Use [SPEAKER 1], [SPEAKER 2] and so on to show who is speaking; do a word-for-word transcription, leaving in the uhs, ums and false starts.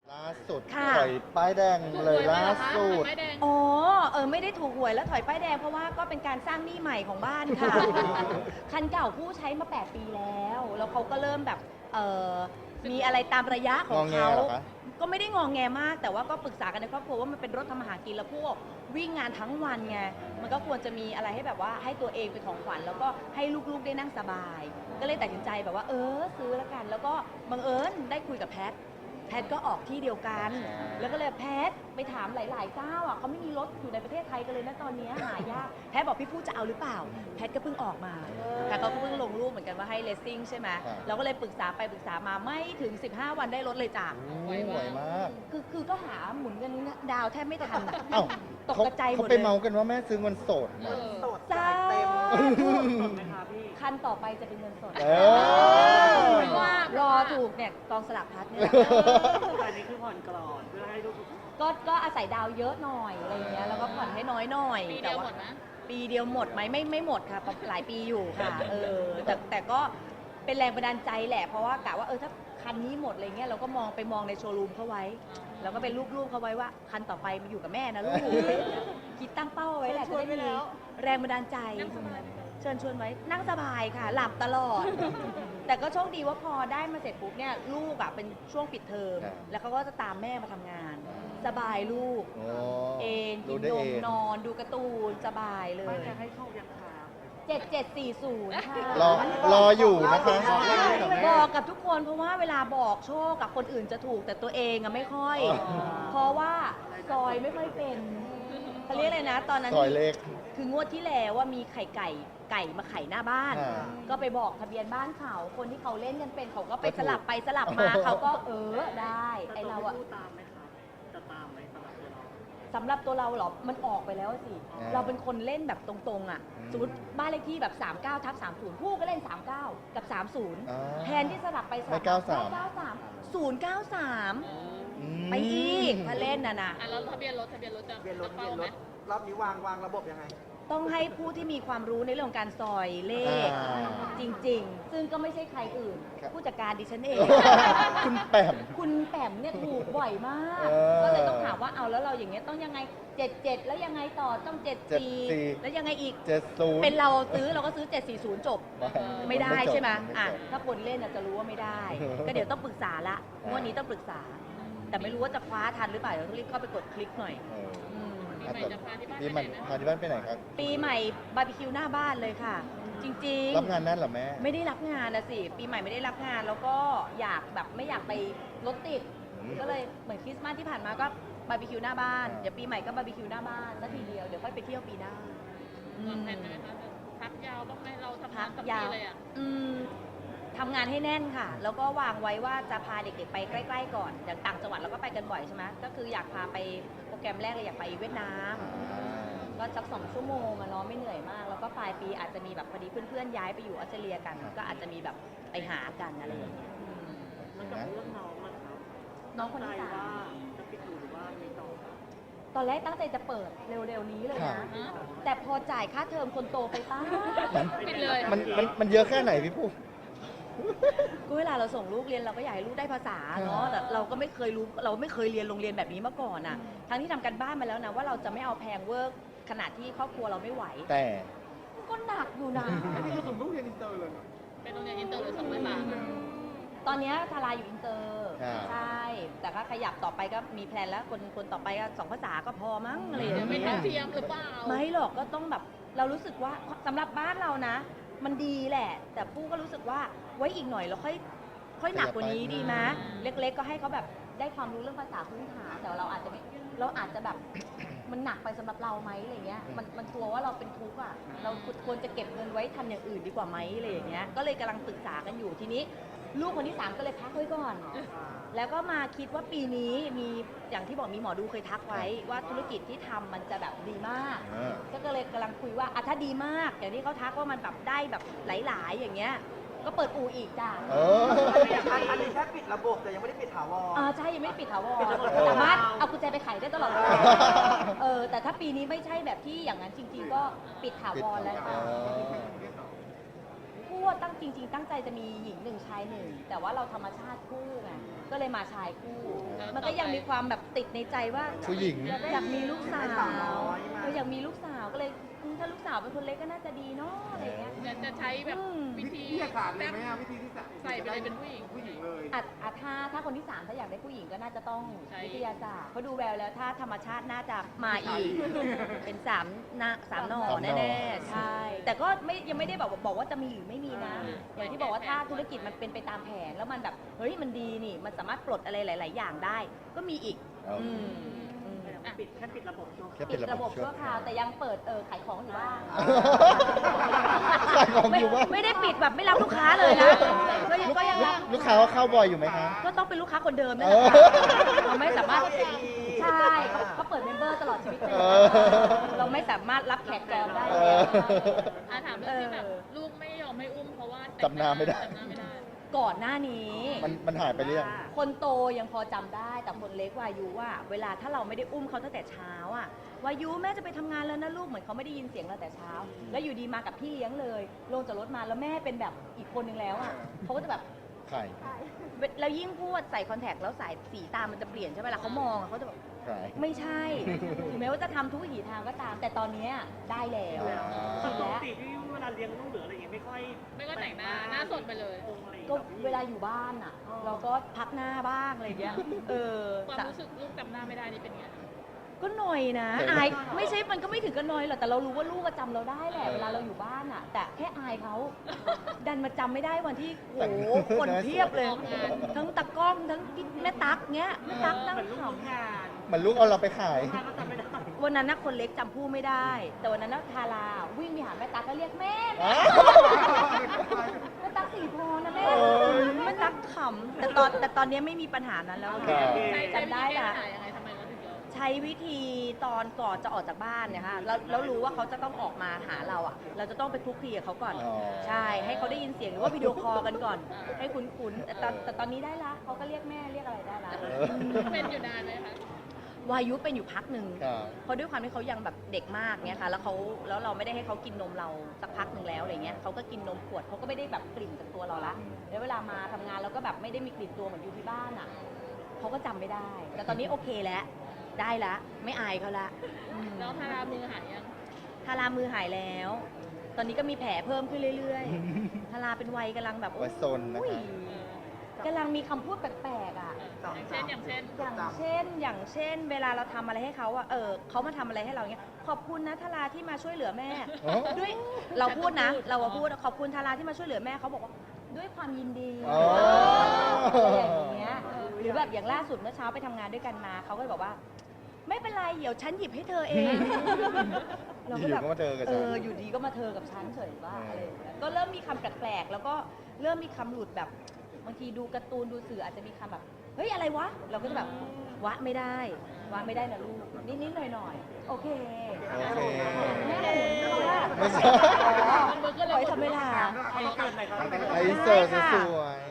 [SPEAKER 1] ล่าสุด
[SPEAKER 2] ค่ะ
[SPEAKER 1] ถอยป้ายแดงเลยล่าสุด
[SPEAKER 2] อ๋อ เออไม่ได้ถูกหวยแล้วถอยป้ายแดงเพราะว่าก็เป็นการสร้างหนี้ใหม่ของบ้านค่ะ คันเก่าผู้ใช้มาแปดปีแล้ว แล้วเขาก็เริ่มแบบเออมีอะไรตามระยะของเขา
[SPEAKER 1] งอแงเหรอคะ
[SPEAKER 2] ก็ไม่ได้งองแงมาก แต่ว่าก็ปรึกษากันในครอบครัวว่ามันเป็นรถทำมาหากินแล้วพวกวิ่งงานทั้งวันไง มันก็ควรจะมีอะไรให้แบบว่าให้ตัวเองเป็นของขวัญแล้วก็ให้ลูกๆได้นั่งสบาย ก็เลยตัดสินใจแบบว่าเออซื้อแล้วกัน แล้วก็บังเอิญได้คุยกับแพท แพทก็ออกที่เดียวกัน แล้วก็เลยแพทไปถามหลายๆเจ้าอ่ะเขาไม่มีรถอยู่ในประเทศไทยกันเลยนะตอนนี้หายาก แพทบอกพี่ผู้จะเอาหรือเปล่า แพทก็เพิ่งออกมา แพทก็เพิ่งลงรูปเหมือนกันว่าให้เลสซิ่งใช่ไหม
[SPEAKER 1] ครับ
[SPEAKER 2] เราก็เลยปรึกษาไปปรึกษามาไม่ถึงสิบห้าวันได้รถเลยจ้ะ
[SPEAKER 1] ไวไหวมาก
[SPEAKER 2] คือคือก็หาหมุนเงินดาวแทบไม่ทันอะ
[SPEAKER 1] เอ้า
[SPEAKER 2] ตก
[SPEAKER 1] เขา
[SPEAKER 2] กระจายหม
[SPEAKER 1] เขา
[SPEAKER 2] ด
[SPEAKER 1] ไป
[SPEAKER 2] เลย
[SPEAKER 1] เมากันว่าแม่ซื้อเงินสดนะ
[SPEAKER 3] สด
[SPEAKER 2] จ้า
[SPEAKER 3] จ่ายเต็ม
[SPEAKER 2] สดไหมคะพี่คันต่อไปจะเป็นเงินสด
[SPEAKER 1] เออ
[SPEAKER 2] ไม่ว่ารอถูกเนี่ยกองสลากพลัดเนี่ย
[SPEAKER 3] แต่อันนี้คือผ่อนกรอนเพื่อให้ลูก
[SPEAKER 2] ก็ก็อาศัยดาวเยอะหน่อยอะไรเงี้ยแล้วก็ผ่อนให้น้อยหน่อย
[SPEAKER 4] ปีเดียวหมดไหม
[SPEAKER 2] ปีเดียวหมดไหมไม่ไม่หมดค่ะหลายปีอยู่ค่ะเออแต่แต่ก็เป็นแรงบันดาลใจแหละเพราะว่ากะว่าเออถ้าคันนี้หมดอะไรเงี้ยเราก็มองไปมองในโชว์รูมเขาไว้แล้วก็เป็นรูปๆเขาไว้ว่าคันต่อไปมาอยู่กับแม่นะลูกคิดตั้งเป้าไว้แหละจะได้มีแรงบันดาลใจเชิญชวนไว้นั่งสบายค่ะ หลับตลอด แต่ก็โชคดีว่าพอได้มาเสร็จปุ๊บเนี่ยลูกอ่ะเป็นช่วงปิดเทอม
[SPEAKER 1] ครับ
[SPEAKER 2] แล้วเขาก็จะตามแม่มาทำงาน สบายลูก
[SPEAKER 1] โอ้
[SPEAKER 2] เองกิ
[SPEAKER 1] ดู
[SPEAKER 2] น
[SPEAKER 1] ได้
[SPEAKER 2] น
[SPEAKER 1] เอ
[SPEAKER 2] ม
[SPEAKER 1] ง
[SPEAKER 2] นอนดูการ์ตูนสบายเล
[SPEAKER 3] ไม่
[SPEAKER 2] ย
[SPEAKER 3] จะให้โชคยังคา
[SPEAKER 2] เจ็ดเจ็ดสี่ศูนย์ค่ะ
[SPEAKER 1] รอรออยู่นะคะ
[SPEAKER 2] บอกกับทุกคนเพราะว่าเวลาบอกโชคกับคนอื่นจะถูกแต่ตัวเองอะไม่ค่อย เพราะว่าซอยไม่ค่อยเป็นเขาเรียกอะไรนะ ตอนนั้น
[SPEAKER 1] ซอยเลข
[SPEAKER 2] คืองวดที่แล้วว่ามีไข่ไก่ไก่มาไข่หน้าบ้าน
[SPEAKER 1] อ่า
[SPEAKER 2] ก็ไปบอกทะเบียนบ้านเขาคนที่เขาเล่นกันเป็นเขาก็ไป
[SPEAKER 1] ก็ถูก
[SPEAKER 2] สลับไปสลับมา เขาก็เออได้ไอเราอะ
[SPEAKER 3] พูดตามไหมคะจะตามไหมสำหรับตัวเรา
[SPEAKER 2] สำหรับตัวเราเหรอ มันออกไปแล้วสิ
[SPEAKER 1] อ่า
[SPEAKER 2] เราเป็นคนเล่นแบบตรงๆอ่ะ
[SPEAKER 1] อืม
[SPEAKER 2] สมมติบ้านเลขที่แบบ สามเก้าทับสามศูนย์ผู้ก็เล่น สามเก้า กับ สามศูนย์
[SPEAKER 1] อ่า
[SPEAKER 2] แทนที่สลับไป
[SPEAKER 1] ไม่เก้าสาม
[SPEAKER 2] เก้าสาม ศูนย์เก้าสาม
[SPEAKER 1] อืม
[SPEAKER 2] ไปอีกถ้าเล่นน่ะนะ
[SPEAKER 4] อ่ะแล้วทะเบียนรถทะเบียนรถจะ
[SPEAKER 3] เรียนรถ
[SPEAKER 4] จะ
[SPEAKER 3] เรียนร
[SPEAKER 4] ไหม
[SPEAKER 3] ถรอบนี้วางวางระบบยังไง
[SPEAKER 2] ต้องให้ผู้ที่มีความรู้ในเรื่องของการซอยเลข
[SPEAKER 1] อ่า
[SPEAKER 2] จริงๆ ซึ่งก็ไม่ใช่ใครอื่น
[SPEAKER 1] ครับ
[SPEAKER 2] ผู้จัดการดิฉันเอง
[SPEAKER 1] คุณแปม
[SPEAKER 2] คุณแปมเนี่ยถูกบ่อยมาก
[SPEAKER 1] เออ
[SPEAKER 2] ก็เลยต้องถามว่าเอาแล้วเราอย่างเงี้ยต้องยังไงเจ็ดเจ็ดแล้วยังไงต่อต้องเจ็ดสี่
[SPEAKER 1] เจ็ดสี่
[SPEAKER 2] แล้วยังไงอีก
[SPEAKER 1] เจ็ดศูนย์
[SPEAKER 2] เป็นเราซื้อเราก็ซื้อเจ็ดสี่ศูนย์จบ ไม่ได้
[SPEAKER 1] จบ
[SPEAKER 2] ใช่ไหม
[SPEAKER 1] จบ
[SPEAKER 2] อ่ะถ้าคนเล่นน่ะจะรู้ว่าไม่ได้ ก็เดี๋ยวต้องปรึกษาละงวดนี้ต้องปรึกษา แต่ไม่รู้ว่าจะคว้าทันหรือเปล่าเดี๋ยวต้องรีบเข้าไปกดคลิกหน่อย
[SPEAKER 1] เออ
[SPEAKER 2] อืม
[SPEAKER 4] ปีใหม่จะพาที่บ้าน
[SPEAKER 1] ปี
[SPEAKER 4] ไป
[SPEAKER 1] ใหม่
[SPEAKER 4] ไหนไหม
[SPEAKER 1] พาที่บ้านไปไหนครับ
[SPEAKER 2] ปีใหม่บาร์บีคิวหน้าบ้านเลยค่ะ จริงๆ
[SPEAKER 1] รับงานนั่นเหรอแม่
[SPEAKER 2] ไม่ได้รับงานนะสิ ปีใหม่ไม่ได้รับงานแล้วก็อยากแบบไม่อยากไปรถติด
[SPEAKER 1] อืม
[SPEAKER 2] ก็เลยเหมือนคริสต์มาสที่ผ่านมาก็บาร์บีคิวหน้าบ้าน
[SPEAKER 1] อ่า
[SPEAKER 2] เดี๋ยวปีใหม่ก็บาร์บีคิวหน้าบ้านแล้วทีเดียวเดี๋ยวค่อยไปเที่ยวปีหน้าอื
[SPEAKER 4] วาง
[SPEAKER 2] ม
[SPEAKER 4] แผนไหมคะพักยาวบ้างไหมเราทำ
[SPEAKER 2] พั
[SPEAKER 4] งาน
[SPEAKER 2] ก
[SPEAKER 4] กับ
[SPEAKER 2] ยา
[SPEAKER 4] พี่
[SPEAKER 2] ว
[SPEAKER 4] เลยอ่ะ
[SPEAKER 2] อืมทำงานให้แน่นค่ะ แล้วก็วางไว้ว่าจะพาเด็กๆไปใกล้ๆก่อน อย่างต่างจังหวัดเราก็ไปกันบ่อยใช่ไหมก็คืออยากพาไปโปรแกรมแรกเลยอยากไปเวียดนาม ก็สักสองชั่วโมงอะเนาะไม่เหนื่อยมาก แล้วก็ปลายปีอาจจะมีแบบพอดีเพื่อนๆย้ายไปอยู่ออสเตรเลียกัน ก็อาจจะมีแบบไปหากันอะไรอย่างเงี้ยอืม
[SPEAKER 3] แล้วกับเรื่องน้องนะครับ
[SPEAKER 2] น้องคนที่
[SPEAKER 3] ใจ
[SPEAKER 2] สาม
[SPEAKER 3] ว่าจะปิดดูหรือว่ามีต่อ
[SPEAKER 2] ตอนแรกตั้งใจจะเปิดเร็วๆนี้เลย
[SPEAKER 1] ครั
[SPEAKER 2] นะ
[SPEAKER 1] บ
[SPEAKER 2] แต่พอจ่ายค่าเทอมคนโตไปป้า
[SPEAKER 4] ปิดเลย
[SPEAKER 1] มันมันมันเยอะแค่ไหนพี่ปุ๊
[SPEAKER 2] ก็เวลาเราส่งลูกเรียนเราก็อยากให้ลูกได้ภาษาเนาะแต่เราก็ไม่เคยรู้เราไม่เคยเรียนโรงเรียนแบบนี้มาก่อนอ่ะ ทั้งที่ทำกันบ้านมาแล้วนะว่าเราจะไม่เอาแพงเวิร์กขนาดที่ครอบครัวเราไม่ไหว
[SPEAKER 1] แต่
[SPEAKER 2] ก็หนักอยู่นะ
[SPEAKER 3] นี่คือส่งลูกเรียนอินเตอร์เลยเหรอ
[SPEAKER 4] เป็นโรงเรียนอินเตอร์หรือสองร้อยบาท
[SPEAKER 2] ตอนเนี้ยทาราอยู่อินเตอร์
[SPEAKER 1] อ่า
[SPEAKER 2] ใช่ แต่ก็ขยับต่อไปก็มีแพลนแล้วคนคนต่อไปก็สองภาษาก็พอมั้งอะไรอย่าง
[SPEAKER 4] ไม่
[SPEAKER 2] เงี้
[SPEAKER 4] เท่าย เทียมหรือเปล่า
[SPEAKER 2] ไม่หรอกก็ต้องแบบเรารู้สึกว่าสำหรับบ้านเรานะ มันดีแหละ แต่ปู้ก็รู้สึกว่าไว้อีกหน่อยเราค่อยค่อยหนักกว่านี้ดีไหมเล็กๆก็ให้เขาแบบได้ความรู้เรื่องภาษาพื้นฐานแต่เราอาจจะไม่เราอาจจะแบบมันหนักไปสำหรับเราไหมอะไรเงี้ยมันมันกลัวว่าเราเป็นทุกข์อ่ะเราควรจะเก็บเงินไว้ทำอย่างอื่นดีกว่าไหมอะไรอย่างเงี้ยก็เลยกำลังปรึกษากันอยู่ทีนี้ ลูกคนที่สามก็เลยพักไว้ก่อน แล้วก็มาคิดว่าปีนี้มีอย่างที่บอกมีหมอดูเคยทักไว้ว่าธุรกิจที่ทำมันจะแบบดีมาก
[SPEAKER 1] อ่า
[SPEAKER 2] ก็เลยกำลังคุยว่าอ่ะถ้าดีมาก อย่างที่เขาทักว่ามันแบบได้แบบหลาย ๆ อย่างเงี้ย ก็เปิดอู่อีกจ้ะ
[SPEAKER 1] เออ
[SPEAKER 3] อันนี้แค่ปิดระบบแต่ยังไม่ได้ปิดถาวร
[SPEAKER 2] อ่าใช่ยังไม่ได้ปิดถาวร
[SPEAKER 3] ปิดระบบ
[SPEAKER 2] สามารถเอากุญแจไปไขได้ตลอดเวลาเออแต่ถ้าปีนี้ไม่ใช่แบบที่อย่างนั้นจริง ๆ ก็ปิดถาวรแล้วค่ะ พูดว่าตั้งจริง ๆ ตั้งใจจะมีหญิงหนึ่งชายหนึ่งแต่ว่าเราธรรมชาติคู่ไงก็เลยมาชายคู่
[SPEAKER 4] แล้ว
[SPEAKER 2] มันก็ยังมีความแบบติดในใจว่า
[SPEAKER 1] ผู้หญิง
[SPEAKER 2] อยากมีลูกสา
[SPEAKER 3] ได้สาวน้
[SPEAKER 2] ว
[SPEAKER 3] อยมา
[SPEAKER 2] เอออยากมีลูกสาวก็เลยอืมถ้าลูกสาวเป็นคนเล็กก็น่าจะดีเนาะอะไรเงี้ย
[SPEAKER 4] จะจะใช้แบบ
[SPEAKER 2] อืม
[SPEAKER 4] วิธี
[SPEAKER 3] วิทยาศาสตร์เลยไหมอะวิธีที่จะ
[SPEAKER 4] ใส่ไปเลยเป็นผู้หญิง
[SPEAKER 3] ผู้หญิงเลย
[SPEAKER 2] อ่ะอ่ะถ้าถ้าคนที่สามถ้าอยากได้ผู้หญิงก็น่าจะต้อง
[SPEAKER 4] ใช่
[SPEAKER 2] วิทยาศาสตร์เพราะดูแววแล้วถ้าธรรมชาติน่าจะมาอีก เป็นสามนาสามหน่อ
[SPEAKER 1] สามหน่อ
[SPEAKER 2] แน่ๆใช่ แต่ก็ไม่ยังไม่ได้บอกบอกว่าจะมีหรือไม่มีนะ อย่างที่บอกว่าถ้าธุรกิจมันเป็นไปตามแผนแล้วมันแบบเฮ้ยมันดีนี่ มันสามารถปลดอะไรหลาย ๆ อย่างได้ ก็มีอีก
[SPEAKER 1] เอา
[SPEAKER 2] อืมอืม
[SPEAKER 3] ปิดแค่ปิดระบบชั่วค
[SPEAKER 1] แค่
[SPEAKER 3] ราว
[SPEAKER 1] ปิ
[SPEAKER 2] ปิ
[SPEAKER 1] ด
[SPEAKER 2] ด
[SPEAKER 1] ระ
[SPEAKER 2] ระ
[SPEAKER 1] บบ
[SPEAKER 2] บบชั่วคราวแต่ยังเปิดเออขายของอยู่บ้าง
[SPEAKER 1] ขายของอยู่บ้าง
[SPEAKER 2] ไม่ไม่ได้ปิดแบบไม่รับลูกค้าเลยนะก็ยังก็ยังรับ
[SPEAKER 1] ลูกค้าเข้าบ่อยอยู่ไหมคะ
[SPEAKER 2] ก็ต้องเป็นลูกค้าคนเดิมนี่
[SPEAKER 1] เอ
[SPEAKER 2] แหละ
[SPEAKER 1] อ
[SPEAKER 2] ค่ะเราไม่สามารถใช่เขาเขาเปิดเมมเบอร์ตลอดชีวิตเลย
[SPEAKER 1] เออ
[SPEAKER 2] เราไม่สามารถรับแขกจองได้
[SPEAKER 1] เอ
[SPEAKER 2] แล้ว
[SPEAKER 1] อ
[SPEAKER 4] อาถามเรื่องที่แบบ
[SPEAKER 2] เออ
[SPEAKER 4] ลูกไม่ยอมให้อุ้มเพราะว่าแต่ง
[SPEAKER 1] จำหน้าไม่ได้
[SPEAKER 4] จำหน้าไม่ได้
[SPEAKER 2] ก่อนหน้านี้
[SPEAKER 1] มันมันหายไปเรื่อยง
[SPEAKER 2] คนโตยังพอจำได้ แต่คนเล็กวายุว่าเวลาถ้าเราไม่ได้อุ้มเขาตั้งแต่เช้าอ่ะวายุแม่จะไปทำงานแล้วนะลูกเหมือนเขาไม่ได้ยินเสียงเราแต่เช้า แล้วอยู่ดีมากับพี่เลี้ยงเลยลงจากรถมาแล้วแม่เป็นแบบอีกคนนึงแล้วอ่ะเขาก็จะแบบ
[SPEAKER 1] ไข่
[SPEAKER 2] แล้วยิ่งพูดใส่คอนแทคแล้วสายสีตามันจะเปลี่ยนใช่ไหมล่ะเขามองอะเขาจะแบบ
[SPEAKER 1] ไข่
[SPEAKER 2] ไม่ใช่ ถึงแม้ว่าจะทำทุกวิถีทางก็ตาม แต่ตอนเนี้ยได้แล้ว
[SPEAKER 1] อ่า
[SPEAKER 2] ชิน
[SPEAKER 3] ป
[SPEAKER 2] แล้
[SPEAKER 3] ก
[SPEAKER 2] ว
[SPEAKER 3] ติที่เวลาเลี้ยงลูกหรืออะไรอย่างเงี้ยไม่ค่อย
[SPEAKER 4] ไม่ก็แต่งหน้าหน้าสดไปเลย
[SPEAKER 3] องค์อะไรอย่าง
[SPEAKER 2] ก็
[SPEAKER 3] เงี้ย
[SPEAKER 2] เวลาอยู่บ้านอ่ะ เราก็พักหน้าบ้างอะไรอย่างเงี้ยเออ
[SPEAKER 4] ความรู้สึกลูกจำหน้าไม่ได้นี่เป็นไง
[SPEAKER 2] ก็หน่อยนะ อายไม่ใช่มันก็ไม่ถึงกับหน่อยหรอกแต่เรารู้ว่าลูกก็จำเราได้แหละเวลาเราอยู่บ้านอ่ะ แต่แค่อายเขาดันมาจำไม่ได้วันที่โอ้โหคนเพียบเลย
[SPEAKER 4] ออกงาน
[SPEAKER 2] ทั้งตะกล้องทั้งแม่ตั๊กเงี้ยแม่ตั๊กนั่ง
[SPEAKER 3] เหมือนลูก
[SPEAKER 2] ข
[SPEAKER 3] ทำงาน
[SPEAKER 1] เหมือนลูกเอาเราไปขาย
[SPEAKER 3] ทานก็จำไม่ได้
[SPEAKER 2] ำวันนั้นนะคนเล็กจำผู้ไม่ได้ แต่วันนั้นนะทาราวิ่งไปหาแม่ตั๊กก็เรียกแม่แม่ แม่ตั๊กสีทองนะแม่
[SPEAKER 1] โอ้ย
[SPEAKER 2] แม่ตั๊กขำแต่ตอนแต่ตอนนี้ไม่มีปัญหานั้นแล้ว
[SPEAKER 1] ครับ
[SPEAKER 4] ใช้ใช้
[SPEAKER 2] จำได้
[SPEAKER 4] วิธีแก้
[SPEAKER 2] ละ
[SPEAKER 4] ปัญหายังไงทำไมเราถึงยอม
[SPEAKER 2] ใช้วิธีตอนก่อนจะออกจากบ้านเนี่ยค่ะแล้วแล้วรู้ว่าเขาจะต้องออกมาหาเราอ่ะ เราจะต้องไปคลุกคลีกับเขาก่อน
[SPEAKER 1] อ๋อ
[SPEAKER 2] ใช่ ให้เขาได้ยินเสียงหรือว่าวิดีโอคอลกันก่อน ให้คุ้นๆแต่ตอนแต่ตอนนี้ได้ละเขาก็เรียกแม่เรียกอะไรได้ละ
[SPEAKER 1] เออ
[SPEAKER 4] เป็นอยู่นานไหมคะ
[SPEAKER 2] วายุเป็นอยู่พักหนึ่ง
[SPEAKER 1] ครับ
[SPEAKER 2] เพราะด้วยความที่เขายังแบบเด็กมากเนี่ยค่ะ แล้วเขาแล้วเราไม่ได้ให้เขากินนมเราสักพักหนึ่งแล้วอะไรเงี้ยเขาก็กินนมขวดเขาก็ไม่ได้แบบกลิ่นจากตัวเราละแล้วเวลามาทำงานเราก็แบบไม่ได้มีกลิ่นตัวเหมือนอยู่ที่บ้านอ่ะเขาก็จำไม่ได้ แต่ตอนนี้โอเคแล้วได้ละไม่อายเขาละอืม
[SPEAKER 4] แล้วทารามือหายยัง
[SPEAKER 2] ทารามือหายแล้ว ตอนนี้ก็มีแผลเพิ่มขึ้นเรื่อยๆ ทาราเป็นวัยกำลังแบบ
[SPEAKER 1] วัยซนนะคะ
[SPEAKER 2] โอ้ยกำลังมีคำพูดแปลกๆอ่ะ
[SPEAKER 4] อย่างเช่นอย่างเช่น
[SPEAKER 2] อย่างเช่น อย่างเช่น เวลาเราทำอะไรให้เขาอะเออเขามาทำอะไรให้เราเนี้ย ขอบคุณนะทาราที่มาช่วยเหลือแม่
[SPEAKER 1] อ๋อ
[SPEAKER 2] ด้วยเราพูดนะ เราอะพูดขอบคุณทาราที่มาช่วยเหลือแม่เขาบอกว่าด้วยความยินดี
[SPEAKER 1] อ๋อ
[SPEAKER 2] อะไรอย่างเงี้ย หรือแบบอย่างล่าสุดเมื่อเช้าไปทำงานด้วยกันมาเขาก็เลยบอกว่า ไม่เป็นไรเดี๋ยวฉันหยิบให้เธอเอง เราก็
[SPEAKER 1] อยู่
[SPEAKER 2] แบบ
[SPEAKER 1] ก็มาเจอกับ
[SPEAKER 2] เอ
[SPEAKER 1] ฉัน
[SPEAKER 2] ออยู่ดีก็มาเธอกับฉันเฉยว่า
[SPEAKER 1] เอออ
[SPEAKER 2] อะไรอย่างเงี้ยก็เริ่มมีคำแปลกๆแล้วก็เริ่มมีคำหลุดแบบบางทีดูการ์ตูนดูสื่ออาจจะมีคำแบบเฮ้ยอะไรวะ เราก็จะแบบวะไม่ได้วะไม่ได้นะลูกนิดๆหน่อยๆโอเค
[SPEAKER 1] โอเค
[SPEAKER 2] แม่หนูเพราะว่า
[SPEAKER 1] ไม่ใช่
[SPEAKER 2] อ๋อปล่อยทำเวลา
[SPEAKER 3] ไอ้เกิดอะไรครับ
[SPEAKER 1] ไอเสิร์ฟสวย